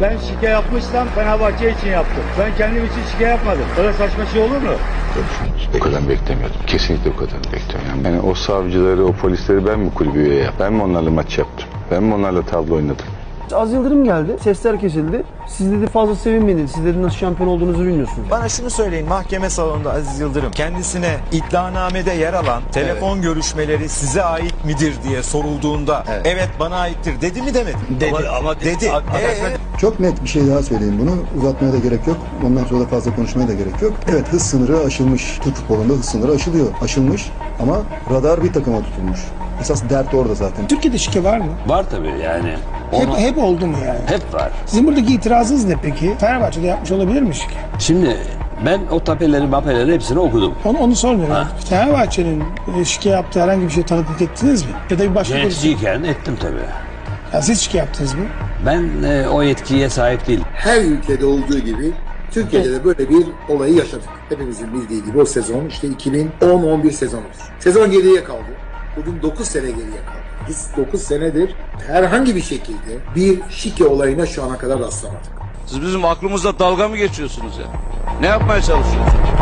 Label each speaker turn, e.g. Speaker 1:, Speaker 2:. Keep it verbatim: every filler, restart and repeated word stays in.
Speaker 1: Ben şike yapmışsam Fenerbahçe için yaptım. Ben kendim için şike yapmadım. Böyle saçma şey olur mu?
Speaker 2: O kadar beklemiyordum. Kesinlikle o kadar beklemiyordum. Yani o savcıları, o polisleri ben mi kulübü üye yaptım? Ben mi onlarla maç yaptım? Ben mi onlarla tablo oynadım?
Speaker 3: Az Yıldırım geldi, sesler kesildi. Siz dedi fazla sevinmediniz, siz dedi nasıl şampiyon olduğunuzu bilmiyorsunuz.
Speaker 4: Bana şunu söyleyin, mahkeme salonunda Aziz Yıldırım kendisine iddianamede yer alan telefon evet. görüşmeleri size ait midir diye sorulduğunda evet, evet bana aittir dedi mi demedi? Dedi. Ama, ama dedi. Ee,
Speaker 5: Çok net bir şey daha söyleyeyim bunu. Uzatmaya da gerek yok. Ondan sonra da fazla konuşmaya da gerek yok. Evet, hız sınırı aşılmış. Türk futbolunda hız sınırı aşılıyor. Aşılmış ama radar bir takıma tutulmuş. Esas dert orada zaten.
Speaker 6: Türkiye'de şike var mı?
Speaker 7: Var tabii yani.
Speaker 6: Hep,
Speaker 7: Onu...
Speaker 6: hep oldu mu yani?
Speaker 7: Hep var.
Speaker 6: Sizin buradaki itirazınız ne peki? Fenerbahçe'de yapmış olabilir mi şike?
Speaker 7: Şimdi ben o tapeleri mapeleri hepsini okudum.
Speaker 6: Onu, onu sormuyorum. Fenerbahçe'nin şike yaptığı herhangi bir şey tanıklık ettiniz mi? Ya da bir başka
Speaker 7: yöneticiyken ettim tabii.
Speaker 6: Ya siz şike yaptınız mı?
Speaker 7: Ben e, o yetkiye sahip değilim.
Speaker 8: Her ülkede olduğu gibi Türkiye'de de böyle bir olayı yaşadık. Hepimizin bildiği gibi o sezon işte iki bin on on bir sezonudur. Sezon geriye kaldı. Bugün dokuz sene geriye kaldı. Biz dokuz senedir herhangi bir şekilde bir şike olayına şu ana kadar rastlamadık.
Speaker 9: Siz bizim aklımızda dalga mı geçiyorsunuz ya? Ne yapmaya çalışıyorsunuz?